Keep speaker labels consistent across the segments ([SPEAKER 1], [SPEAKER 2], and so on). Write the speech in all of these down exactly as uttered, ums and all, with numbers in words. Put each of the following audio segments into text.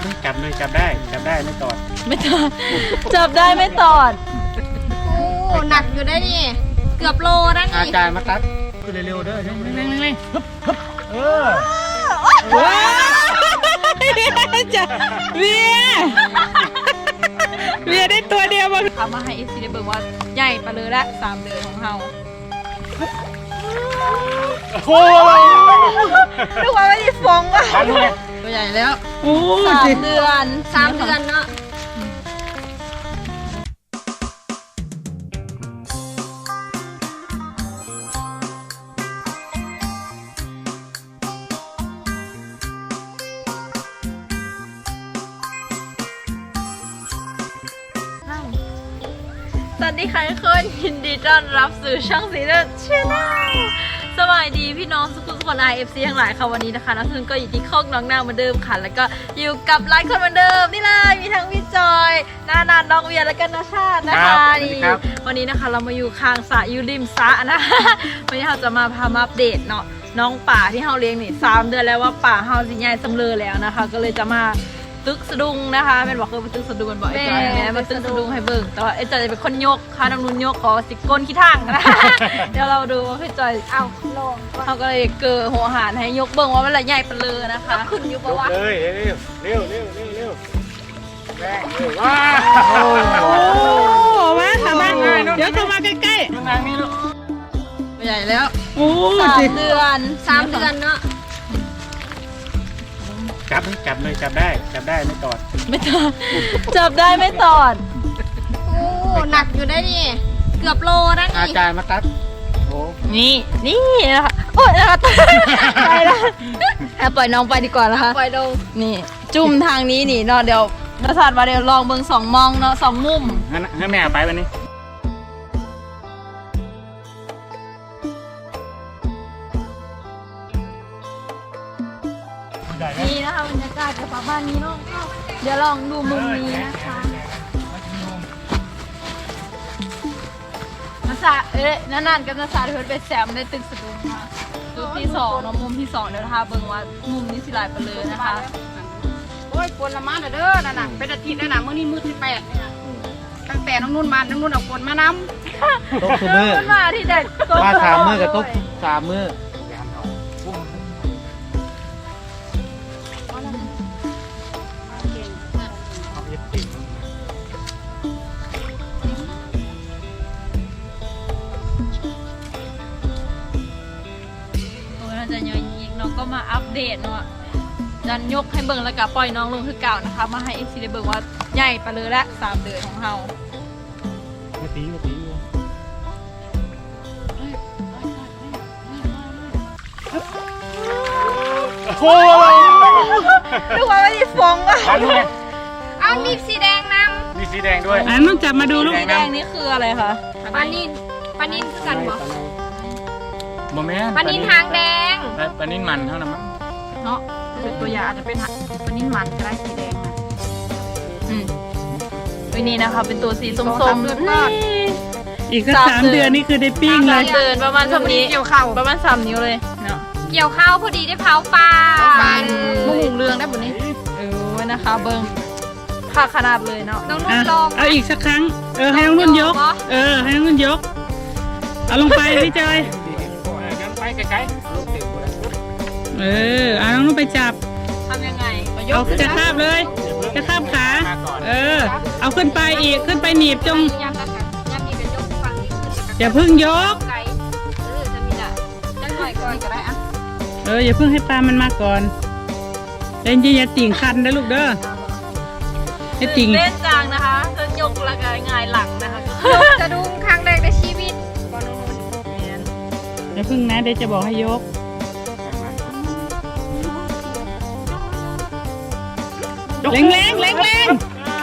[SPEAKER 1] ไหมจับเลยจับได้จับได้ไม่ตอด
[SPEAKER 2] ไม่ตอดจับได้ไม่ตอด
[SPEAKER 3] โอ้หนักอยู่ได้นี่เกือบโลนะนี่
[SPEAKER 1] อาจารย์มาตัดคือเร็วๆเด้อเร่งเร่งเร่งเออ
[SPEAKER 2] ว้าวจ้ะเวียเวียได้ตัวเดียวมาทำมาให้เอฟซีได้เบิ่งว่าใหญ่ปะเลยละสามเดือนของเรา
[SPEAKER 1] โอ้
[SPEAKER 2] ดูว่าไม่ได้ฟองว่ะตัวใหญ่แล้วสามเดือน
[SPEAKER 3] สามเดือนเนาะ
[SPEAKER 2] สวัสดีค่ะทุกคนยินดีต้อนรับสู่ช่องสีเลือดชาแนลสวัสดีพี่น้องทุกคนคน ไอ เอฟ ซี ทั้งหลายค่ะวันนี้นะคะน้องทุนก็อยู่ที่โคกน้องนางเหมือนเดิมค่ะแล้วก็อยู่กับหลายคนเหมือนเดิมนี่เลยมีทั้งพี่จอยนานาน้องเวียและก็นาชาตินะคะนี่วันนี้นะคะเรามาอยู่ข้างสระอยู่ริมสระนะคะวันนี้เราจะมาพามาอัปเดตเนาะน้องป่าที่เราเลี้ยงนี่สามเดือนแล้วว่าป่าเราสิใหญ่สำเร็จแล้วนะคะก็เลยจะมาตึกสะดุงนะคะแม่บอกคือมาตึกสะดุงมันบอกไอ้จอยแม่มาตึกสะดุงให้เบิ่งแต่ว่าไอ้จอยจะเป็นคนยกค่ะน้ำนุ่นยกขอสิก้นขี้ทั้งนะเดี๋ยวเราดูว่าพี่จอยเอาลงเขาก็เลยเกิดหัวหารให้ยกเบิ่งว่ามันละใหญ่ปะเลยนะคะ
[SPEAKER 3] ขึ้นอยู่ปะวะ
[SPEAKER 1] เลยเร็วเร็วเร็วเร็วเร็วแรงเร็วว้า
[SPEAKER 2] โอ้มาทำมาเดี๋ยวเข้ามาใกล้
[SPEAKER 1] ๆทางนี้ลูก
[SPEAKER 2] ใหญ่แล้วโอ้สามเดือน
[SPEAKER 3] สามเดือนเนาะ
[SPEAKER 1] จับไหมจับเลยจับได้จับได้ไม่ตอด
[SPEAKER 2] ไม่ตอดจับได้ไม่ตอด
[SPEAKER 3] โอ้หนักอยู่ได้นี่เกือบโลนะนี่
[SPEAKER 1] อาจารย์มาตัดโอ้
[SPEAKER 2] นี่นี่นะคะโอ้ยนะคะไปแล้วปล่อยน้องไปดีกว่านะคะ
[SPEAKER 3] ปล่อยลง
[SPEAKER 2] นี่จุ่มทางนี้นี่เนาะเดี๋ยวประสาทมาเดี๋ยวลองเบิ่งสองมองเนาะสองมุม
[SPEAKER 1] งั้นงั้นแม่ไปวันนี้
[SPEAKER 2] นี่นะคะบรรยากาศกับบ้านนี้เนาะเดี๋ยวลองดูมุมนี้นะคะนักษาเอ๊ะนานๆกับนักษาเพื่อนไปแซมได้ตึกสะดุ้งค่ะจุดที่สองเนาะมุมที่สองเดี๋ยวนะคะเบิ่งว่ามุมนี้สิลายไปเลยนะคะ
[SPEAKER 3] โอ้ยฝนละมาเด้อน่ะน่ะเป็นอาทิตย์แล้วน่ะมื้อนี้มื้อที่แปดเนี่ยตั้งแต่น้องนุ่นมาน้องนุ่นเอาฝนมานำ
[SPEAKER 1] ตกทุกมื้อ
[SPEAKER 2] มาที่เด็ด
[SPEAKER 1] มาสามมื้อกับตกสามมื้อ
[SPEAKER 2] จะเยอะอีกน้องก็มาอัปเดตเนาะดันยกให้เบิ่งแล้วก็ปล่อยน้องลงคือเก่านะคะมาให้เอฟซีได้เบิ่งว่าใหญ่ไปเลยละสามเดือนของเรา
[SPEAKER 1] มาตีมาตีโอ้
[SPEAKER 2] ดูว่าไม่ได้ฟองว่ะ
[SPEAKER 3] เอามีสีแดงน
[SPEAKER 1] ำมีสีแดงด้วย
[SPEAKER 2] อันต้องจับมาดูลูกสีแดงนี่คืออะไรคะ
[SPEAKER 3] ปลานินปลานินคือกันบ่
[SPEAKER 1] โมเมนต์
[SPEAKER 3] ปลานินหางแดง
[SPEAKER 1] ปลานินมันเท่านั้นมั้ง
[SPEAKER 2] เนาะเป็นตัวอย่างอาจจะเป็นปลานินมันก็ได้สีแดงนะอืมวันนี้นะคะเป็นตัวสีส้มๆนี่
[SPEAKER 4] อีกสักสามเดือนนี่คือได้ปิ้งเลย
[SPEAKER 2] เดินประมาณสามนิ้วเกี่ยวข้าวประมาณสามนิ้วเลยเนาะ
[SPEAKER 3] เกี่ยวข้าวพอดีได้เผาปลา
[SPEAKER 2] ปลาหมูเรืองได้หมดนี้เออนะคะเบิ้งค่าขนาดเลยเนาะ
[SPEAKER 3] น้องนุ่นลอง
[SPEAKER 4] เอาอีกสักครั้งเออให้น้องนุ่นยกเออให้น้องนุ่นยกเอาลงไปพี่จอย
[SPEAKER 1] ไกล
[SPEAKER 4] เออเอาน้องนุ่นไปจับ
[SPEAKER 2] ทำยังไง
[SPEAKER 4] เอาจะคาบเลยจะคาบขาเออเอาขึ้นไปอีกขึ้นไปหนีบจงอย่าพึ่งยก
[SPEAKER 3] เออจะมีละจะหน่อยก่อนก็ได้อะ
[SPEAKER 4] เอออย่าพึ่งให้ปลามันมาก่อนเล่นอย่าติ่งคันนะลูกเด้อให้ติ่ง
[SPEAKER 2] เล่นจางนะคะจะยกละกายง่ายหลังนะคะ
[SPEAKER 3] จะดูครั้งแรกในชีวิต
[SPEAKER 4] อย่าพึ่งนะเดี๋ยวจะบอกให้ยกแรงแรงแรงแรง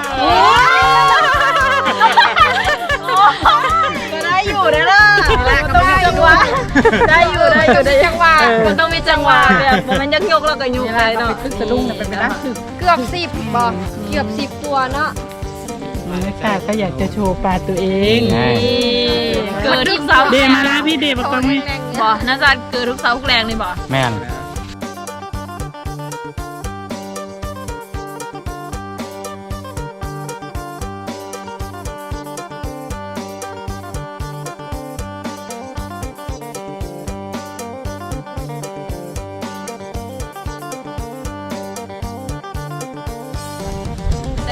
[SPEAKER 2] ก็ได้อยู่ได้ล่ะต้องมีจังหวะได้อยู่ได้อยู่ได้จังหวะมันต้องมีจังหวะแบบมันยักยกแล้วก็ยุบไปเนาะสะดุ้งเป็นไปได้
[SPEAKER 3] เกือบสิบบ่เกือบสิบตัวเนาะ
[SPEAKER 4] มันไม่ค่ะก็อยากจะโชว์ปลาตัวเอง
[SPEAKER 2] เกิดทุกเสา
[SPEAKER 4] เดมาแล้วพี่เดบอกตรงนี้
[SPEAKER 2] บ่น่าจะเกิดทุกเสาทุกแรงเลยบ่
[SPEAKER 1] แม่น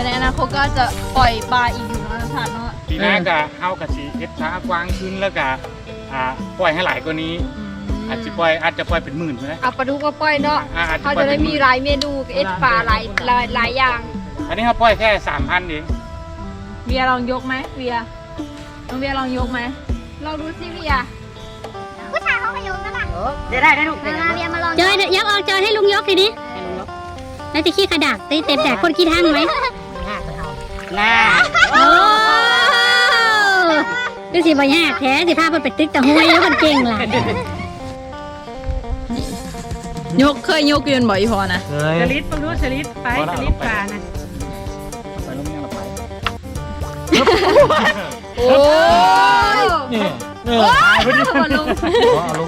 [SPEAKER 2] ในอนาคตก็จะปล่อยปลาอีกอยู่นะท่านเนาะ
[SPEAKER 1] ปีหน้าก็เอากระสีเฮ็ดช้ากว้างขึ้นแล้วก็อ่าปล่อยให้หลายกว่านี้อาจจะปล่อยอาจจะปล่อยเป็นหมื่นเลย
[SPEAKER 3] เอาปลาดุกมาปล่อยเนาะ
[SPEAKER 1] อ่อาจจะ
[SPEAKER 3] เขา
[SPEAKER 1] ปล่อย
[SPEAKER 3] จะ
[SPEAKER 1] เป็
[SPEAKER 3] ได้
[SPEAKER 1] นห
[SPEAKER 3] มี
[SPEAKER 1] มื่น
[SPEAKER 3] หลายเมนูเอ็ดปลาหลายหลายหลายอย่าง
[SPEAKER 1] อันนี้เขาปล่อยแค่สามพันเอง
[SPEAKER 2] เวียลองยกไหมเวียน้องเวียลองยกไหม
[SPEAKER 3] ลองดูสิพี่อ่ะ
[SPEAKER 5] ผู้ชายเขาไปโยนก็ได้
[SPEAKER 3] เดี๋ยวได้ได้ลูก
[SPEAKER 5] มามาเรียนมาลอง
[SPEAKER 6] จอยยักออกจอยให้ลุงยกทีนี้แล้วจะขี้ขดักตีเต็มแดกคนขี้ทั้งไหม
[SPEAKER 3] น่า
[SPEAKER 6] โอ้ดูสิบ่ยากแท้สิพาเพิ่นไปตึกตะห้วยแล้วมันเก่งหลาย
[SPEAKER 2] ยกเคยยกยืนบ่อยพอนะ
[SPEAKER 1] เคย
[SPEAKER 4] สลิดฟังดูสลิดไปสลิดปลานะ
[SPEAKER 1] ไปลงยังละไป
[SPEAKER 2] โอ้ย
[SPEAKER 1] นี่นี่
[SPEAKER 2] มาลุง
[SPEAKER 1] เอาลง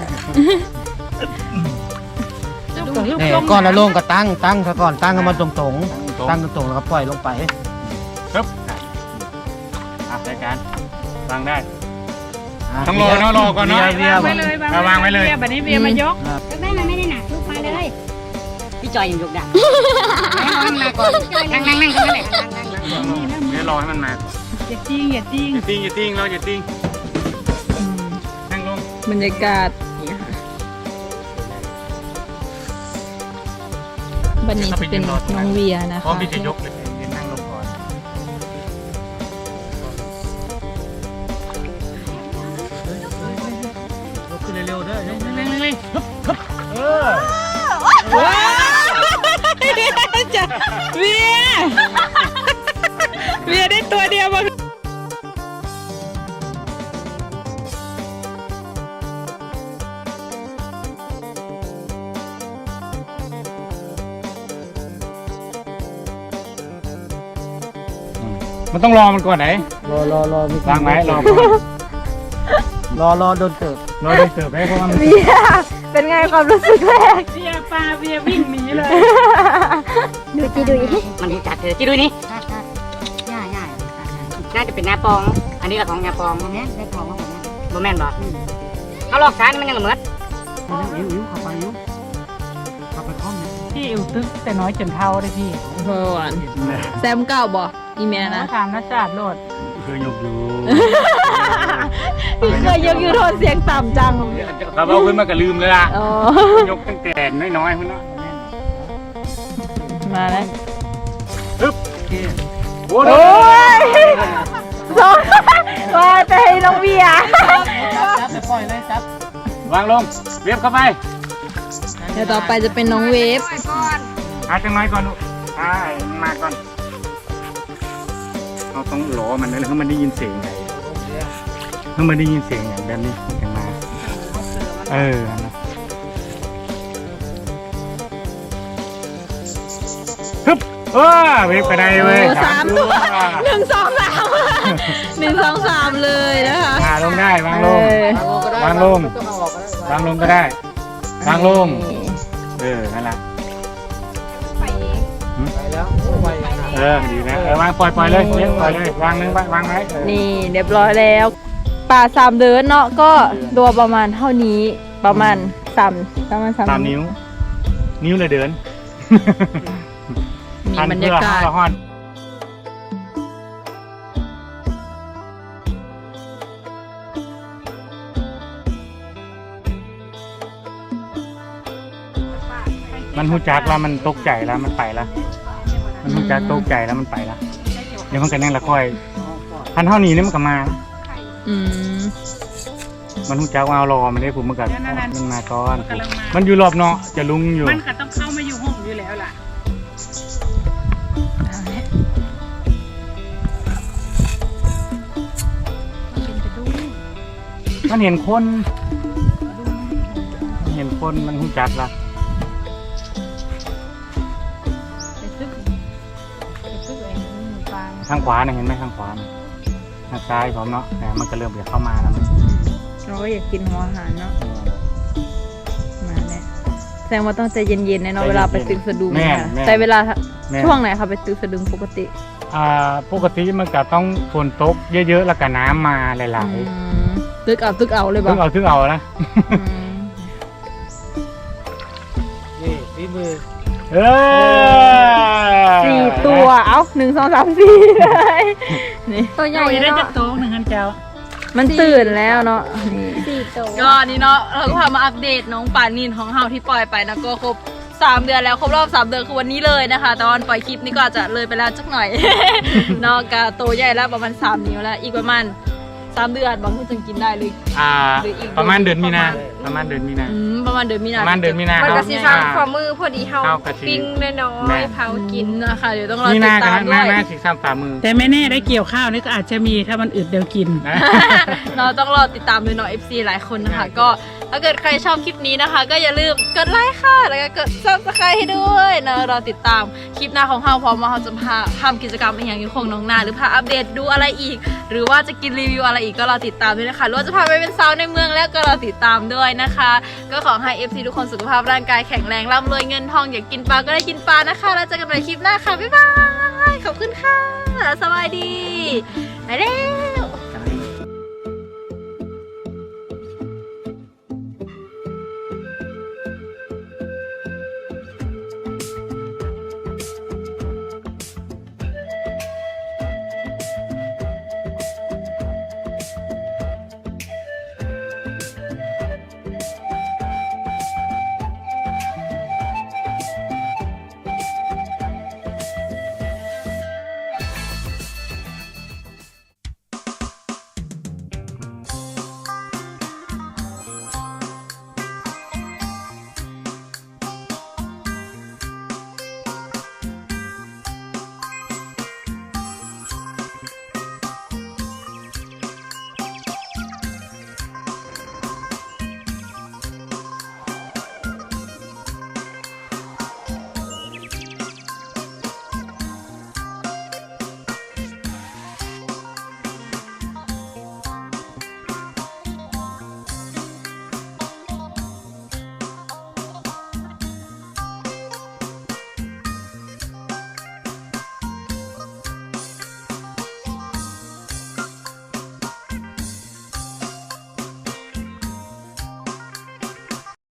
[SPEAKER 7] นี่ก่อนแล้วลงก็ตั้งตั้งซะก่อนตั้งให้มันตรงตรงๆตั้งตรงๆแล้วก็ปล่อยลงไป
[SPEAKER 1] ครับอ่ะรายการวางได้ ต้องรอเนาะรอก่อนเนาะ
[SPEAKER 7] เวีย
[SPEAKER 4] ไว้
[SPEAKER 7] เวี
[SPEAKER 4] เลย
[SPEAKER 7] ยว
[SPEAKER 4] างไว้เลยบัดนี้เวียมายก
[SPEAKER 6] แม่มันไม่ได้หนักลูกไปเลย
[SPEAKER 3] พี่จอยยังยกได้นั่งมาก่อนนั่งนั่งนั่งตรงนั้นแหละนั่งนั่งนั่ง
[SPEAKER 1] เดี๋ยวรอให้มันมา
[SPEAKER 4] อย่าจิ้งอย่าจิ้ง
[SPEAKER 1] อย่าติ้งอย่าติ้งเราอย่าติ้งนั่งลง
[SPEAKER 2] บรรยากาศนี่ค่ะวันนี้จะเป็นน้องเวียนะ
[SPEAKER 1] พร้อม
[SPEAKER 2] คะ
[SPEAKER 1] ที่จะยกเลยเดี๋ยวนั่งลงก่อนยกขึ้นเร็วๆเด้อยกเร็วๆเออ
[SPEAKER 2] ว้าวจ้ะเวียเวียได้ตัวเดียวมา
[SPEAKER 1] มันต้องรอมันก่อนไหน
[SPEAKER 7] รอรอรอมี
[SPEAKER 1] วางไว้รอก่อน
[SPEAKER 7] รอรอโดนเติบ
[SPEAKER 1] รอได้เสิร์ฟให้เพราะว่ามัน
[SPEAKER 2] เวียเป็นไงความรู้สึกแรก
[SPEAKER 4] เวียปลาเวียวิ่งหนีเลย
[SPEAKER 6] ดูจีดู
[SPEAKER 3] มันรู้จักเธอจีดูนี่ย่าย่าน่าจะเป็นนาปอง อันนี้ก็ของนาปองแม่ได้ปองของผมบ่แม่นบ่เอาลอกซ้ายนี่มันยังเหมือน
[SPEAKER 7] ยิ้วยิ้วเข้าไปยิ้วเข้าไปพร้อมนะ
[SPEAKER 4] พี่อิวตึกแต่น้อยจนเท่าเลยพี่
[SPEAKER 2] เพื่อนแซมเก่าบ่อีเมียนะ
[SPEAKER 4] ถามนักศาสตร์โลด
[SPEAKER 1] เคยยกอยู่
[SPEAKER 2] พี่เคยยกยูโทนเสียงต่ำจัง
[SPEAKER 1] เราเอาขึ้นมาก็ลืมเลยล่ะ
[SPEAKER 2] อ๋อย
[SPEAKER 1] กตั้งแต่น้อยๆขึ้นเนาะ
[SPEAKER 2] มาแล้ว
[SPEAKER 1] โอ้
[SPEAKER 2] โอ้ยสองว่าจะให้น้องเบียร์
[SPEAKER 7] จับไปปล่อยเลยจับ
[SPEAKER 1] วางลงเรียบเข้าไป
[SPEAKER 2] เดี๋ยวต่อไปจะเป็นน้องเวฟ
[SPEAKER 1] หาจังไรก่อนลูกอ่ามาก่อนเราต้องรอมันเลยแล้วมันได้ยินเสียงไงถ้ามันได้ยินเสียงอย่างแบบนี้มันจะมาเออนะฮึบเออเวฟกระไดเว้ย
[SPEAKER 2] โอ้สามตัวหนึ่งสองสามหนึ่งสองสามเลยนะคะ
[SPEAKER 1] หาลงได้วางลง
[SPEAKER 2] เออ
[SPEAKER 1] วางลง
[SPEAKER 7] ต้องเอาออกก็ได้
[SPEAKER 1] วางลงก็ได้วางลงเออนั่นแหละ
[SPEAKER 7] ไปแล้วโอ้ไปนะ
[SPEAKER 1] เออดีนะเออวางปล่อยปล่อยเลยเลี้ยงปล่อยเลยวางนึงวางไว้เออ
[SPEAKER 2] นี่เรียบร้อยแล้วป่าสามเดือนเนาะก็ตัวประมาณเท่านี้ประมาณสามประมาณสาม
[SPEAKER 1] สามนิ้ว นิ้วเลยเดิน
[SPEAKER 2] มีบรรยากาศ
[SPEAKER 1] พันเพื่อห้อน มันหูจักแล้วมันตกใจแล้วมันไปแล้ว มันหูจักตกใจแล้วมันไปแล้วเดี๋ยวมันก็นั่งละค่อยพันเท่านี้นี่มันก็มา
[SPEAKER 2] อืม
[SPEAKER 1] มันหูจักว่าเอารอมันได้ผมมันก็
[SPEAKER 4] นั่นๆๆ
[SPEAKER 1] มันมาก่อน
[SPEAKER 4] มันกำลังมา
[SPEAKER 1] มันอยู่รอบเนาะจะลุงอยู่
[SPEAKER 4] มันก็ต้องเข้ามาอยู่ห้องอยู่แล้วล่ะ
[SPEAKER 1] มันเห็นคนมันเห็นคนมันหูจักละ
[SPEAKER 4] ไปซึกไปซึกเองหมูปลา
[SPEAKER 1] ทางขวาเนี่ยเห็นไหมทางขวาน่ะทางซ้ายผมเนาะแต่มันก็เริ่มจะเข้ามาแล้วมัน
[SPEAKER 2] เราก็อยากกินหัวอาหารเนาะมาเนี่ยแสดงว่าต้องใจเย็นๆนะเนาะเวลาไปตึกสะดุง
[SPEAKER 1] แม่
[SPEAKER 2] ค่ะ
[SPEAKER 1] แม่
[SPEAKER 2] ใช้เวลา
[SPEAKER 1] แม่
[SPEAKER 2] ช่วงไหนคะไปตึกสะดุงปกติ
[SPEAKER 1] อ่าปกติมันก็ต้องฝนตกเยอะๆแล้วก็น้ำมาหลาย
[SPEAKER 2] อืมตึกเอาตึกเอาเลย
[SPEAKER 1] ๆ
[SPEAKER 2] บ่
[SPEAKER 1] ถึงเอาถึงเอานะ
[SPEAKER 2] อืม
[SPEAKER 7] นี่ฝีมือ
[SPEAKER 1] เออ
[SPEAKER 2] สี่ตัวเอ้าหนึ่งสองสามสี่เลยนี่ตัวใหญ่
[SPEAKER 4] โอ้ยได้
[SPEAKER 2] เนาะ
[SPEAKER 4] จะโต๊ะหนึ่งอันเจ้า
[SPEAKER 2] มันตื่นแล้วเนาะนี่
[SPEAKER 5] สี่ตัว
[SPEAKER 2] ก็นี่เนาะเราก็พามาอัปเดตน้องปานินของเฮาที่ปล่อยไปนะก็ครบสามเดือนแล้วครบรอบสามเดือนคือวันนี้เลยนะคะแต่วันปล่อยคลิปนี้ก็อาจจะเลยไปแล้วจักหน่อย เนาะกะโตใหญ่แล้วประมาณสามนิ้วแล้วอีกประมาณสามเดือนบางคนจึงกินได้เลย
[SPEAKER 1] อ่า
[SPEAKER 2] หรืออีก
[SPEAKER 1] ประมาณเดือนมีนาประมาณเดือนมีนา
[SPEAKER 2] อืมประมาณเดือนมีนา
[SPEAKER 1] ประมาณเดือนมีนา
[SPEAKER 2] มันก็สิ
[SPEAKER 1] ครับ
[SPEAKER 2] ซ้ำฝ่ามือพอดีเฮา
[SPEAKER 1] เฮากะทิ
[SPEAKER 2] ปิ้งน้อ
[SPEAKER 1] แม่
[SPEAKER 2] ยๆเผากินนะคะเดี๋ยวต้องรอ
[SPEAKER 1] มี
[SPEAKER 2] ติ
[SPEAKER 1] นา
[SPEAKER 2] ด
[SPEAKER 1] กั
[SPEAKER 2] ตาม
[SPEAKER 1] น
[SPEAKER 2] ด้
[SPEAKER 1] หน้า
[SPEAKER 2] วย
[SPEAKER 1] หน้าสีซ้ำฝ่ามือ
[SPEAKER 4] แต่ไม่แน่ได้เกี่ยวข้าวนี่ก็อาจจะมีถ้ามันอึดเดี๋ยวกิน
[SPEAKER 1] นะ
[SPEAKER 2] เราต้องรอติดตามดูเนาะ เอฟ ซี หลายคนนะคะ ก็ถ้าเกิดใครชอบคลิปนี้นะคะ ก็อย่าลืมกดไลค์ค่ะ แล้วก็กด ซับสไครบ์ ให้ด้วยเนาะเราติดตามคลิปหน้าของเราพร้อมว่าเราจะพาทำกิจกรรมอย่างอยู่คงน้องนาหรือพาอัปเดตดูอะไรอีก หรือว่าจะกินรีวิวอะไรอีกก็เราติดตามด้วยนะคะหรือว่าจะพาไปเป็นสาวในเมืองแล้วก็เราติดตามด้วยนะคะ ก็ขอให้ เอฟ ซี ทุกคนสุขภาพร่างกายแข็งแรงร่ำรวยเงินทองอยากกินปลาก็ได้กินปลานะคะแล้วเจอกันใหม่คลิปหน้าค่ะบ๊ายบายขอบคุณค่ะสวัสดีไปแล้ว